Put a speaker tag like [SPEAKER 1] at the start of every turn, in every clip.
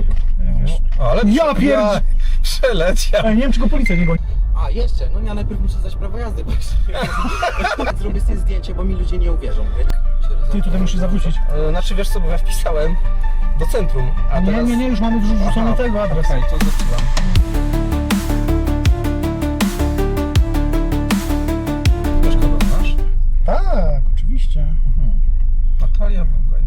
[SPEAKER 1] Ale
[SPEAKER 2] ja pierdolę!
[SPEAKER 1] Przeleciał.
[SPEAKER 2] Nie wiem, czy go policja nie goni.
[SPEAKER 3] A, jeszcze, no ja najpierw muszę zdać prawo jazdy, bo zrobię sobie zdjęcie, bo mi ludzie nie uwierzą, wiesz?
[SPEAKER 2] Ty tutaj musisz zawrócić.
[SPEAKER 1] Znaczy wiesz co, bo ja wpisałem do centrum, a teraz...
[SPEAKER 2] Nie, już mamy wrzucony tego adres.
[SPEAKER 1] Okej, to zepsułam. Też kogo masz?
[SPEAKER 2] Tak, oczywiście.
[SPEAKER 1] Natalia Bugaj.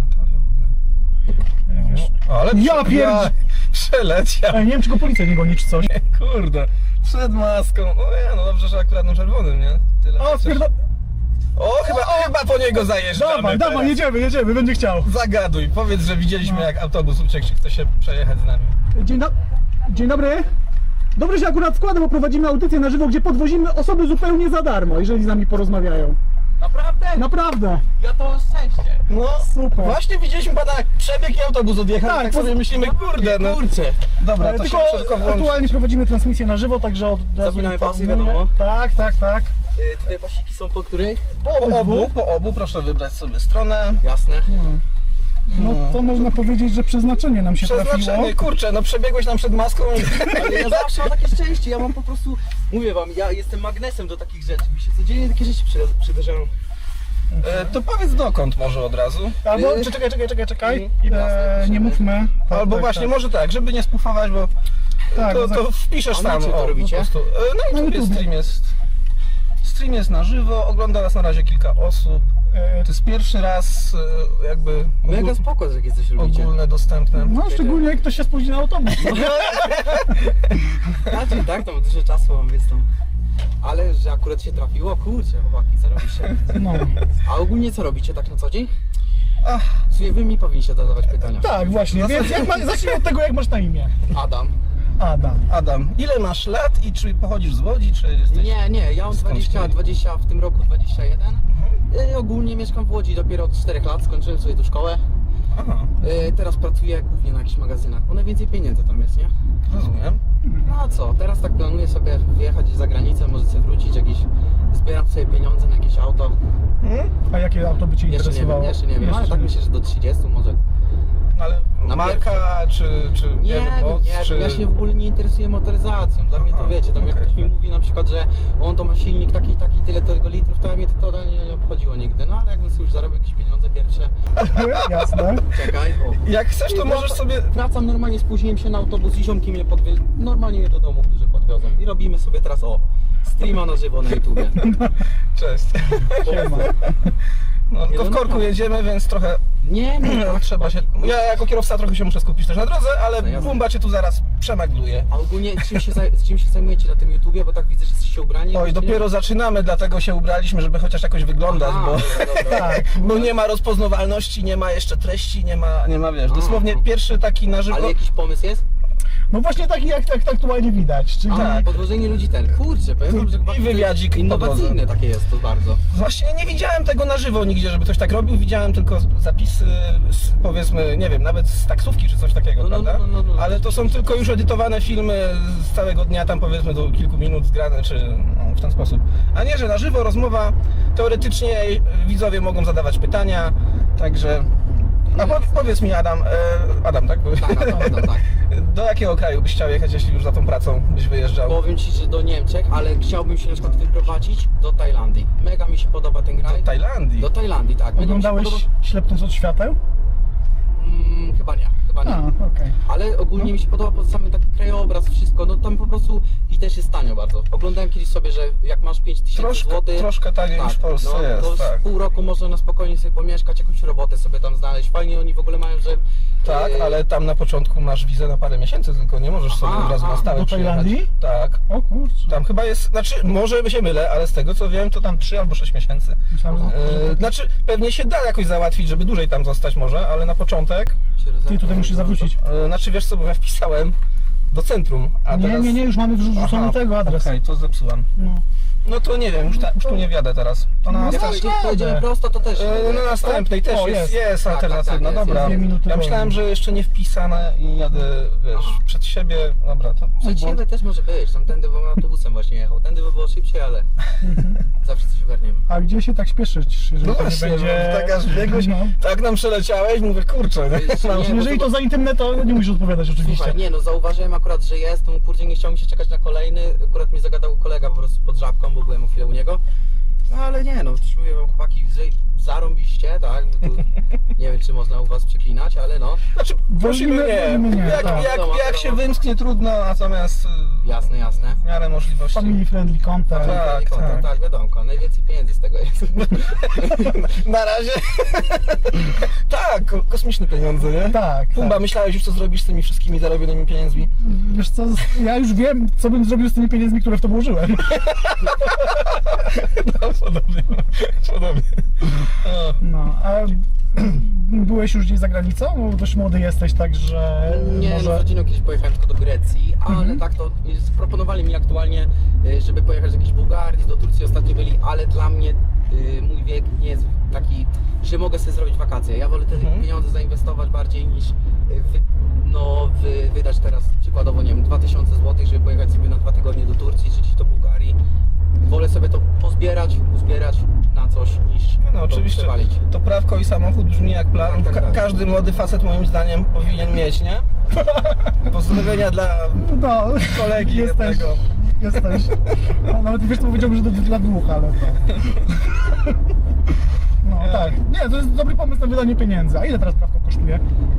[SPEAKER 1] Ale
[SPEAKER 2] Ja pierdolę!
[SPEAKER 1] Przeleciał.
[SPEAKER 2] Nie wiem, czy go policja nie goni, czy coś.
[SPEAKER 1] Kurde, przed maską. O no dobrze, że akurat na czerwonym, nie? Tyle
[SPEAKER 2] O,
[SPEAKER 1] chociaż-
[SPEAKER 2] spierdol...
[SPEAKER 1] O, chyba po niego zajeżdżamy.
[SPEAKER 2] Dawaj, jedziemy, będzie chciał.
[SPEAKER 1] Zagaduj, powiedz, że widzieliśmy jak autobus uciekł, czy chce się przejechać z nami.
[SPEAKER 2] Dzień dobry. Dobrze się akurat składa, bo prowadzimy audycję na żywo, gdzie podwozimy osoby zupełnie za darmo, jeżeli z nami porozmawiają.
[SPEAKER 3] Naprawdę?
[SPEAKER 2] Naprawdę.
[SPEAKER 3] Ja to szczęście.
[SPEAKER 1] No,
[SPEAKER 2] Super.
[SPEAKER 1] właśnie widzieliśmy pana przebieg i autobus odjechał, tak sobie myślimy, kurde, no.
[SPEAKER 3] Kurczę.
[SPEAKER 1] Dobra, to
[SPEAKER 2] Tylko
[SPEAKER 1] się szybko włączy.
[SPEAKER 2] aktualnie prowadzimy transmisję na żywo, także od razu
[SPEAKER 3] Zapinamy pasy,
[SPEAKER 2] informuję.
[SPEAKER 3] wiadomo.
[SPEAKER 2] Tak.
[SPEAKER 3] Tutaj pasiki są po której?
[SPEAKER 1] Po obu, proszę wybrać sobie stronę.
[SPEAKER 3] Jasne.
[SPEAKER 2] No to można powiedzieć, że przeznaczenie nam się trafiło.
[SPEAKER 1] Przeznaczenie, kurczę, no przebiegłeś nam przed maską i...
[SPEAKER 3] Ale ja zawsze mam takie szczęście, ja mam po prostu, mówię wam, ja jestem magnesem do takich rzeczy, mi się codziennie takie rzeczy przydarzają.
[SPEAKER 1] To powiedz dokąd może od razu.
[SPEAKER 2] Albo czekaj.
[SPEAKER 3] Jasne,
[SPEAKER 2] Nie mówmy. Tak,
[SPEAKER 1] Albo właśnie, może tak, żeby nie spufować, bo
[SPEAKER 2] Tak,
[SPEAKER 1] to wpiszesz
[SPEAKER 3] A na
[SPEAKER 1] tam,
[SPEAKER 3] czym to robicie?
[SPEAKER 1] po prostu. Na YouTube
[SPEAKER 2] YouTube.
[SPEAKER 1] stream jest na żywo, ogląda nas na razie kilka osób. To jest pierwszy raz jakby
[SPEAKER 3] Mega spoko, że takie coś robicie.
[SPEAKER 1] ogólne, dostępne.
[SPEAKER 2] No szczególnie jak ktoś się spóźni na autobus.
[SPEAKER 3] Znaczy tak, tam dużo czasu mam, więc tam. Ale że akurat się trafiło, kurczę, chłopaki, zarobiście.
[SPEAKER 2] No.
[SPEAKER 3] A ogólnie co robicie tak na co dzień?
[SPEAKER 1] Ach,
[SPEAKER 3] W sumie wy mi powinniście zadawać pytania.
[SPEAKER 2] Tak, właśnie, więc zacznij od tego, jak masz na imię.
[SPEAKER 3] Adam.
[SPEAKER 2] Adam.
[SPEAKER 1] Ile masz lat i czy pochodzisz z Łodzi, czy jesteś...
[SPEAKER 3] Nie, ja mam
[SPEAKER 1] Skąd
[SPEAKER 3] 20, w tym roku 21. Ogólnie mieszkam w Łodzi dopiero od 4 lat, skończyłem sobie tu szkołę.
[SPEAKER 1] Aha,
[SPEAKER 3] Teraz pracuję głównie na jakichś magazynach, bo najwięcej pieniędzy tam jest, nie?
[SPEAKER 1] rozumiem.
[SPEAKER 3] No a co, teraz tak planuję sobie wyjechać za granicę, może sobie wrócić jakieś, zbieram sobie pieniądze na jakieś auto.
[SPEAKER 2] A jakie auto by Cię interesowało?
[SPEAKER 3] Jeszcze nie wiem, ale tak myślę, że do 30 może.
[SPEAKER 1] Ale
[SPEAKER 3] Na
[SPEAKER 1] marka, czy
[SPEAKER 3] Nie
[SPEAKER 1] wiem,
[SPEAKER 3] wiem,
[SPEAKER 1] moc,
[SPEAKER 3] nie
[SPEAKER 1] czy...
[SPEAKER 3] wiem, ja się w ogóle nie interesuję motoryzacją. Dla mnie to wiecie, tam jak
[SPEAKER 1] okej.
[SPEAKER 3] ktoś mi mówi na przykład, że on to ma silnik taki, tyle tego litrów, to mnie to nie obchodziło nigdy. No ale jakbym sobie już zarobił jakieś pieniądze pierwsze,
[SPEAKER 2] Jasne.
[SPEAKER 3] czekaj, o.
[SPEAKER 1] Jak chcesz, to możesz sobie...
[SPEAKER 3] Wracam normalnie, spóźniłem się na autobus i ziomki mnie normalnie mnie do domu, że podwiozą. I robimy sobie teraz streama na żywo na YouTubie.
[SPEAKER 1] Cześć.
[SPEAKER 2] Siema.
[SPEAKER 1] No, to w korku
[SPEAKER 3] naprawdę.
[SPEAKER 1] jedziemy, więc trochę
[SPEAKER 3] Nie,
[SPEAKER 1] trzeba się... Ja jako kierowca trochę się muszę skupić też na drodze, ale
[SPEAKER 3] No jasne.
[SPEAKER 1] Bumba cię tu zaraz przemagluje.
[SPEAKER 3] A ogólnie czym się zajmujecie na tym YouTubie, bo tak widzę, że jesteście ubrani.
[SPEAKER 1] Oj, dopiero zaczynamy, dlatego się ubraliśmy, żeby chociaż jakoś wyglądać,
[SPEAKER 3] Aha,
[SPEAKER 1] bo...
[SPEAKER 3] dobra.
[SPEAKER 2] Tak.
[SPEAKER 1] Bo nie ma rozpoznawalności, nie ma jeszcze treści, nie ma wiesz, dosłownie pierwszy taki na żywo...
[SPEAKER 3] Ale jakiś pomysł jest?
[SPEAKER 2] No właśnie taki jak aktualnie widać, czyli
[SPEAKER 3] A, podwożenie ludzi kurczę, powiem wam, że chyba
[SPEAKER 1] I wywiadzik po
[SPEAKER 3] innowacyjne
[SPEAKER 1] drodze.
[SPEAKER 3] takie jest to bardzo.
[SPEAKER 1] Właśnie nie widziałem tego na żywo nigdzie, żeby ktoś tak robił, widziałem tylko zapisy, powiedzmy, nie wiem, nawet z taksówki czy coś takiego,
[SPEAKER 3] No,
[SPEAKER 1] prawda?
[SPEAKER 3] no.
[SPEAKER 1] Ale to są tylko już edytowane filmy z całego dnia, tam powiedzmy do kilku minut zgrane, czy no, w ten sposób. A nie, że na żywo rozmowa, teoretycznie widzowie mogą zadawać pytania, także... A powiedz mi Adam, tak?
[SPEAKER 3] Tak.
[SPEAKER 1] Do jakiego kraju byś chciał jechać, jeśli już za tą pracą byś wyjeżdżał?
[SPEAKER 3] Powiem ci, że do Niemczech, ale chciałbym się na przykład wyprowadzić do Tajlandii. Mega mi się podoba ten kraj.
[SPEAKER 1] Do Tajlandii?
[SPEAKER 3] Do Tajlandii, tak. Mega mi się
[SPEAKER 2] oglądałeś Ślepnąc od świateł?
[SPEAKER 3] Chyba nie.
[SPEAKER 2] Okej.
[SPEAKER 3] Ale ogólnie mi się podoba pod samym taki krajobraz, wszystko, no tam po prostu i też jest tanio bardzo. Oglądałem kiedyś sobie, że jak masz 5000 zł,
[SPEAKER 1] Troszkę taniej niż w Polsce
[SPEAKER 3] no,
[SPEAKER 1] jest,
[SPEAKER 3] to z
[SPEAKER 1] tak.
[SPEAKER 3] pół roku można na spokojnie sobie pomieszkać, jakąś robotę sobie tam znaleźć. Fajnie oni w ogóle mają, że...
[SPEAKER 1] Tak, ale tam na początku masz wizę na parę miesięcy, tylko nie możesz sobie od razu na stałe
[SPEAKER 2] do
[SPEAKER 1] przyjechać.
[SPEAKER 2] Tajlandii?
[SPEAKER 1] Tak.
[SPEAKER 2] O kurczę.
[SPEAKER 1] Tam chyba jest, znaczy może się mylę, ale z tego co wiem to tam 3 albo 6 miesięcy.
[SPEAKER 2] Myślałem, że...
[SPEAKER 1] Znaczy pewnie się da jakoś załatwić, żeby dłużej tam zostać może, ale na początek...
[SPEAKER 2] Ty tutaj musisz zawrócić.
[SPEAKER 1] Znaczy wiesz co, bo ja wpisałem do centrum, a teraz...
[SPEAKER 2] Nie, już mamy wrzucony tego adres.
[SPEAKER 1] Okej, to zepsułam.
[SPEAKER 2] No.
[SPEAKER 1] No to nie wiem, już tu nie wjadę teraz. To na
[SPEAKER 2] No,
[SPEAKER 1] następnej.
[SPEAKER 2] tak.
[SPEAKER 3] Jak pojedziemy prosto, to też...
[SPEAKER 1] Na następnej też
[SPEAKER 2] O,
[SPEAKER 1] jest
[SPEAKER 2] jest.
[SPEAKER 3] Tak,
[SPEAKER 1] alternatywna,
[SPEAKER 3] tak, jest,
[SPEAKER 1] dobra.
[SPEAKER 2] jest 2 minuty
[SPEAKER 1] Ja myślałem,
[SPEAKER 2] wolniej.
[SPEAKER 1] że jeszcze nie wpisane i jadę, wiesz,
[SPEAKER 3] Aha.
[SPEAKER 1] przed siebie, dobra, to...
[SPEAKER 3] Przed siebie też może być, tamtędy, bo autobusem właśnie jechał. Tędy by było szybciej, ale zawsze coś ogarniemy.
[SPEAKER 2] A gdzie się tak śpieszyć, jeżeli
[SPEAKER 1] No
[SPEAKER 2] to nie
[SPEAKER 1] właśnie,
[SPEAKER 2] będzie...
[SPEAKER 1] bo tak aż biegłeś,
[SPEAKER 2] No.
[SPEAKER 1] tak nam przeleciałeś, mówię, kurczę, nie?
[SPEAKER 3] Wiesz,
[SPEAKER 1] No.
[SPEAKER 3] nie, bo
[SPEAKER 2] Jeżeli
[SPEAKER 3] to-
[SPEAKER 2] to za intymne, to nie musisz odpowiadać oczywiście.
[SPEAKER 3] Słuchaj, nie no, zauważyłem akurat, że jest, to kurde nie chciał mi się czekać na kolejny, akurat mnie zagadał kolega po prostu pod żabką, bo byłem o chwilę u niego. No ale nie no, też mówię wam chłopaki, że zarąbiście, tak, no tu, nie wiem czy można u was przeklinać, ale no,
[SPEAKER 1] Znaczy, prosimy
[SPEAKER 2] wolimy nie,
[SPEAKER 1] jak,
[SPEAKER 2] tak.
[SPEAKER 1] jak się wymsknie trudno, natomiast
[SPEAKER 3] jasne, jasne.
[SPEAKER 1] w miarę możliwości.
[SPEAKER 2] Family friendly content.
[SPEAKER 1] Tak,
[SPEAKER 3] Tak, wiadomo, najwięcej pieniędzy z tego jest.
[SPEAKER 1] Na razie. Tak, kosmiczne pieniądze, nie?
[SPEAKER 2] Tak,
[SPEAKER 1] Pumba,
[SPEAKER 2] tak.
[SPEAKER 1] myślałeś już co zrobisz z tymi wszystkimi zarobionymi pieniędzmi?
[SPEAKER 2] Wiesz co, ja już wiem, co bym zrobił z tymi pieniędzmi, które w to włożyłem.
[SPEAKER 1] No, podobnie. Podobnie. O.
[SPEAKER 2] No, a byłeś już gdzieś za granicą? Bo dość młody jesteś, także
[SPEAKER 3] Nie, no z
[SPEAKER 2] może...
[SPEAKER 3] rodziną kiedyś pojechałem tylko do Grecji, ale tak to proponowali mi aktualnie, żeby pojechać do jakiejś Bułgarii, do Turcji ostatnio byli, ale dla mnie mój wiek nie jest taki, że mogę sobie zrobić wakacje. Ja wolę te pieniądze zainwestować bardziej niż wydać teraz przykładowo, nie wiem, 2000 zł, żeby pojechać sobie na 2 tygodnie do Turcji czy gdzieś do Bułgarii. Wolę sobie to uzbierać na coś niż
[SPEAKER 1] No
[SPEAKER 3] to
[SPEAKER 1] oczywiście,
[SPEAKER 3] przewalić.
[SPEAKER 1] to prawko i samochód brzmi jak plan.
[SPEAKER 3] Tak, tak.
[SPEAKER 1] Każdy młody facet moim zdaniem powinien mieć, nie? Pozdrowienia dla
[SPEAKER 2] No,
[SPEAKER 1] kolegi
[SPEAKER 2] jesteś,
[SPEAKER 1] jednego.
[SPEAKER 2] jesteś. No, nawet wiesz, to powiedziałbym, że to dla dwóch, ale to... No tak, nie, to jest dobry pomysł na wydanie pieniędzy. A ile teraz prawko kosztuje?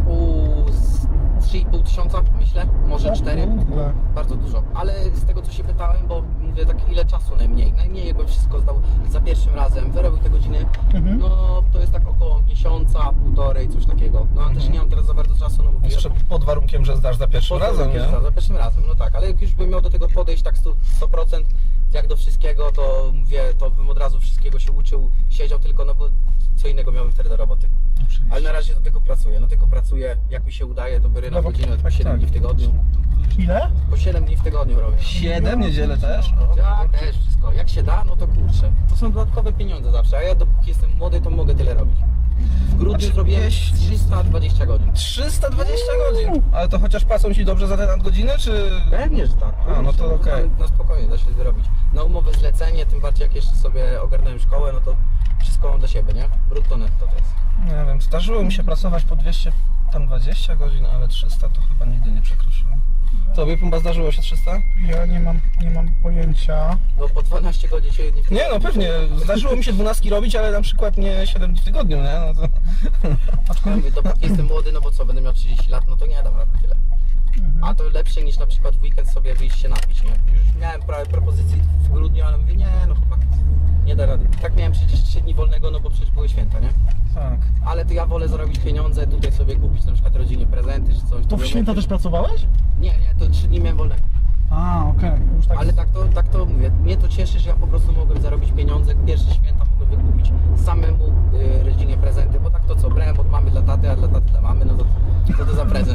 [SPEAKER 3] 3,5 tysiąca myślę, może
[SPEAKER 2] O
[SPEAKER 3] 4.
[SPEAKER 2] kurde.
[SPEAKER 3] Bardzo dużo, ale z tego co się pytałem, bo mówię tak ile czasu najmniej. Najmniej jakbym wszystko zdał za pierwszym razem, wyrobił te godziny, no to jest tak około miesiąca, półtorej, coś takiego. No ale też nie mam teraz za bardzo czasu, no bo
[SPEAKER 1] Jeszcze pod warunkiem, że zdasz za pierwszym razem, nie?
[SPEAKER 3] Za pierwszym razem, no tak, ale jak już bym miał do tego podejść tak 100%, jak do wszystkiego, to mówię, to bym od razu wszystkiego się uczył, siedział tylko, no bo co innego miałbym wtedy do roboty. Ale na razie tylko pracuję, jak mi się udaje, to biorę na
[SPEAKER 2] No bo-
[SPEAKER 3] godzinę,
[SPEAKER 1] tak,
[SPEAKER 3] 7
[SPEAKER 1] tak.
[SPEAKER 3] dni w tygodniu.
[SPEAKER 2] Ile?
[SPEAKER 3] Po 7 dni w tygodniu robię.
[SPEAKER 1] 7 niedzielę też? O.
[SPEAKER 3] Tak, też wszystko. Jak się da, no to kurczę. To są dodatkowe pieniądze zawsze, a ja dopóki jestem młody, to mogę tyle robić. W grudniu
[SPEAKER 1] Znaczy,
[SPEAKER 3] zrobiłem
[SPEAKER 1] jeśli-
[SPEAKER 3] 320 godzin.
[SPEAKER 1] 320 godzin. Ale to chociaż płacą ci dobrze za te nadgodziny, czy...
[SPEAKER 3] Pewnie, że tak.
[SPEAKER 1] A, no to okej.
[SPEAKER 3] Na spokojnie da się wyrobić. Na umowę zlecenie, tym bardziej jak jeszcze sobie ogarnąłem szkołę, no to wszystko mam dla siebie, nie? Brutto netto to jest.
[SPEAKER 1] Nie wiem, zdarzyło mi się pracować po 220 godzin, ale 300 to chyba nigdy nie przekroczyłem. Tobie, Pumba, zdarzyło się 300?
[SPEAKER 2] Ja nie mam pojęcia.
[SPEAKER 3] No po 12 godzin się nie
[SPEAKER 1] Nie no, pewnie. Zdarzyło mi się 12 robić, ale na przykład nie 7 dni w tygodniu, nie? No to...
[SPEAKER 3] Ja mówię, dopóki jestem młody, no bo co, będę miał 30 lat, no to nie dam rady tyle. A to lepsze niż na przykład w weekend sobie wyjść się napić, nie? Już miałem prawie propozycję w grudniu, ale mówię, nie no chłopak, nie da rady. Tak miałem przecież 3 dni wolnego, no bo przecież były święta, nie?
[SPEAKER 1] Tak.
[SPEAKER 3] Ale to ja wolę zarobić pieniądze, tutaj sobie kupić na przykład rodzinie prezenty czy coś.
[SPEAKER 2] To w święta też pracowałeś?
[SPEAKER 3] Nie, to 3 dni miałem wolnego.
[SPEAKER 2] A, okej. Już tak.
[SPEAKER 3] Ale tak to mówię, mnie to cieszy, że ja po prostu mogłem zarobić pieniądze, pierwsze święta mogłem wykupić samemu rodzinie prezenty, bo tak to co, brałem od mamy dla taty, a dla taty dla mamy, no to co to za prezent?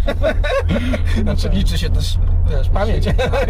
[SPEAKER 1] Znaczy liczy się też, wiesz, pamięć.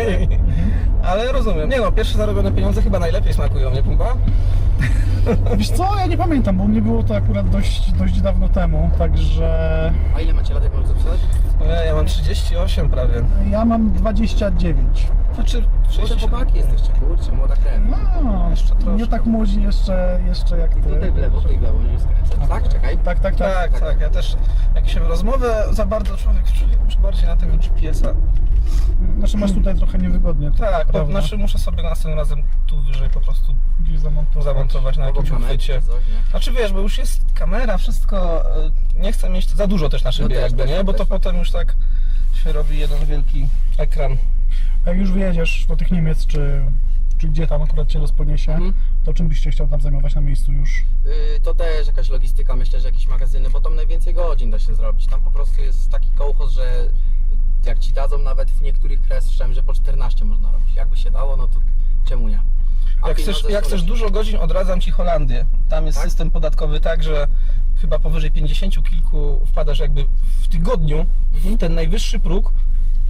[SPEAKER 1] Ale rozumiem. Nie no, pierwsze zarobione pieniądze chyba najlepiej smakują, nie, Pumba?
[SPEAKER 2] Wiesz co, ja nie pamiętam, bo mnie było to akurat dość dawno temu, także
[SPEAKER 3] A ile macie lat, jak mam zapisać?
[SPEAKER 1] Ja mam 38 prawie.
[SPEAKER 2] ja mam 29.
[SPEAKER 1] Znaczy,
[SPEAKER 3] Młode chłopaki jesteście, kurczę, młoda krew.
[SPEAKER 2] No,
[SPEAKER 1] Jeszcze troszkę.
[SPEAKER 2] nie tak młodzi jeszcze jak ty.
[SPEAKER 3] Tutaj w lewo, nie skręcę. Tak, czekaj.
[SPEAKER 2] Tak.
[SPEAKER 1] Tak, ja też jak się w rozmowę za bardzo człowiek czuje, już bardziej na tego GPS-a.
[SPEAKER 2] Znaczy masz tutaj trochę niewygodnie.
[SPEAKER 1] Tak, bo
[SPEAKER 2] prawda?
[SPEAKER 1] znaczy muszę sobie następnym razem tu wyżej po prostu
[SPEAKER 2] Gdzieś zamontować.
[SPEAKER 1] na
[SPEAKER 3] Obok
[SPEAKER 1] jakimś
[SPEAKER 3] kamerki
[SPEAKER 1] uchwycie.
[SPEAKER 3] czy coś, nie?
[SPEAKER 1] Znaczy wiesz, bo już jest kamera, wszystko, nie chcę mieć za dużo też na szybie
[SPEAKER 3] też,
[SPEAKER 1] jakby,
[SPEAKER 3] też,
[SPEAKER 1] nie? Bo to
[SPEAKER 3] też.
[SPEAKER 1] potem już tak się robi jeden wielki ekran.
[SPEAKER 2] Jak już wyjedziesz do tych Niemiec, czy gdzie tam akurat cię los poniesie, to czym byście chciał tam zajmować na miejscu już?
[SPEAKER 3] To też jakaś logistyka, myślę, że jakieś magazyny, bo tam najwięcej godzin da się zrobić. Tam po prostu jest taki kołchoz, że jak ci dadzą nawet w niektórych krajach słyszałem, że po 14 można robić. Jakby się dało, no to czemu nie? A
[SPEAKER 1] Jak
[SPEAKER 3] pieniądze
[SPEAKER 1] chcesz,
[SPEAKER 3] są
[SPEAKER 1] jak chcesz
[SPEAKER 3] lepsze.
[SPEAKER 1] dużo godzin, odradzam Ci Holandię. Tam jest
[SPEAKER 3] Tak?
[SPEAKER 1] system podatkowy tak, że chyba powyżej 50 kilku wpadasz jakby w tygodniu w ten najwyższy próg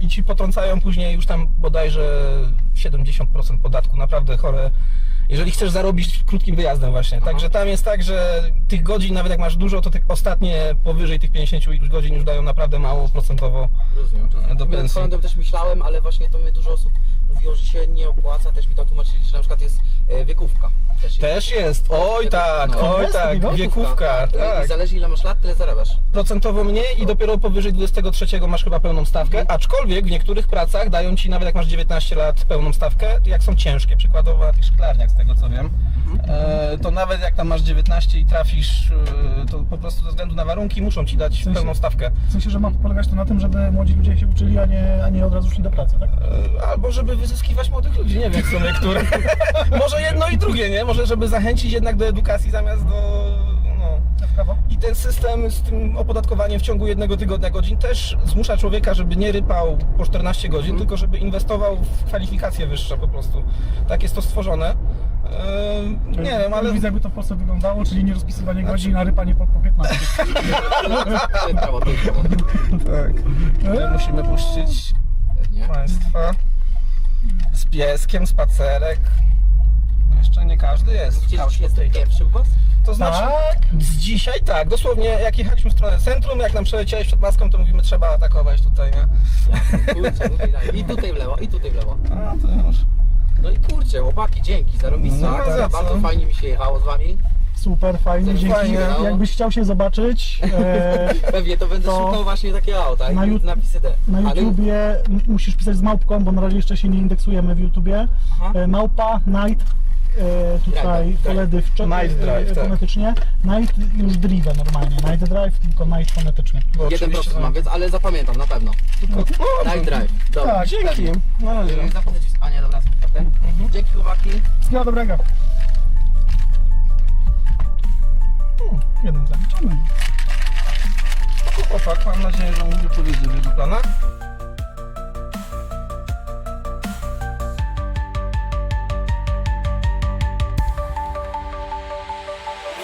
[SPEAKER 1] i ci potrącają później już tam bodajże 70% podatku, naprawdę chore. Jeżeli chcesz zarobić krótkim wyjazdem właśnie. Także tam jest tak, że tych godzin, nawet jak masz dużo, to te ostatnie powyżej tych 50 iluś godzin już dają naprawdę mało procentowo.
[SPEAKER 3] Rozumiem.
[SPEAKER 1] Do pensji.
[SPEAKER 3] Swoją drogą też myślałem, ale właśnie to mnie dużo osób mówiło, że się nie opłaca. Też mi to tłumaczyli, że na przykład jest wiekówka.
[SPEAKER 1] Też jest, oj tak,
[SPEAKER 3] No.
[SPEAKER 1] oj
[SPEAKER 2] Jest
[SPEAKER 1] tak,
[SPEAKER 2] takiego?
[SPEAKER 1] wiekówka,
[SPEAKER 3] I
[SPEAKER 1] tak.
[SPEAKER 3] zależy ile masz lat, tyle zarabiasz.
[SPEAKER 1] Procentowo mniej i dopiero powyżej 23 masz chyba pełną stawkę, aczkolwiek w niektórych pracach dają ci nawet jak masz 19 lat pełną stawkę, jak są ciężkie, przykładowo na tych szklarniach z tego co wiem, to nawet jak tam masz 19 i trafisz, to po prostu ze względu na warunki muszą ci dać
[SPEAKER 2] sensie-
[SPEAKER 1] pełną stawkę.
[SPEAKER 2] W sensie, że ma polegać to na tym, żeby młodzi ludzie się uczyli, a nie od razu szli do pracy, tak?
[SPEAKER 1] Albo żeby wyzyskiwać młodych ludzi, nie wiem w sumie które. Może jedno i drugie, nie? Może żeby zachęcić jednak do edukacji zamiast do... no.
[SPEAKER 2] W prawo?
[SPEAKER 1] I ten system z tym opodatkowaniem w ciągu jednego tygodnia godzin też zmusza człowieka, żeby nie rypał po 14 godzin, tylko żeby inwestował w kwalifikacje wyższe po prostu. Tak jest to stworzone. Nie wiem, ale...
[SPEAKER 2] Widzę, jakby to w Polsce wyglądało, czyli nie rozpisywanie godzin, a rypanie po 15.
[SPEAKER 3] To jest prawo.
[SPEAKER 1] Tak. My musimy puścić
[SPEAKER 3] Nie?
[SPEAKER 1] Państwa z pieskiem, spacerek. Jeszcze nie każdy jest.
[SPEAKER 3] Widzicie, że jestem pierwszy u was?
[SPEAKER 1] To znaczy, z dzisiaj tak, dosłownie jak jechaliśmy w stronę centrum, jak nam przeleciałeś przed maską, to mówimy, trzeba atakować tutaj, nie?
[SPEAKER 3] Kurczę, tutaj daj. I tutaj w lewo, i tutaj w lewo.
[SPEAKER 1] A, to już.
[SPEAKER 3] No i kurczę, chłopaki, dzięki, zarobista.
[SPEAKER 1] No, za co?
[SPEAKER 3] Bardzo fajnie mi się jechało z wami.
[SPEAKER 2] Super, fajnie, dzięki.
[SPEAKER 1] Fajnie,
[SPEAKER 3] no.
[SPEAKER 2] Jakbyś chciał się zobaczyć,
[SPEAKER 3] Pewnie to będę
[SPEAKER 2] To
[SPEAKER 3] szukał właśnie takiego auta,
[SPEAKER 2] na
[SPEAKER 3] jak napisy D.
[SPEAKER 2] na
[SPEAKER 3] Ale-
[SPEAKER 2] YouTubie musisz pisać z małpką, bo na razie jeszcze się nie indeksujemy w YouTubie.
[SPEAKER 3] Aha.
[SPEAKER 2] Małpa, Night, tutaj
[SPEAKER 3] Drive.
[SPEAKER 2] poledy
[SPEAKER 1] Night Drive, tak.
[SPEAKER 2] fonetycznie. Night już drive normalnie, Night Drive, tylko Night fonetycznie.
[SPEAKER 1] Bo
[SPEAKER 3] 1%
[SPEAKER 1] oczywiście
[SPEAKER 3] mam, więc, ale zapamiętam na pewno. Night Drive. Dobra.
[SPEAKER 2] Tak,
[SPEAKER 1] dzięki.
[SPEAKER 3] Pewnie.
[SPEAKER 1] Na razie.
[SPEAKER 3] Zapomnę ci spanie, dobra, super. Dzięki chłopaki.
[SPEAKER 2] Wszystkiego dobrego. Jeden zaliczony.
[SPEAKER 1] Chłopak, mam nadzieję, że mu wypowiedzi w jego planach.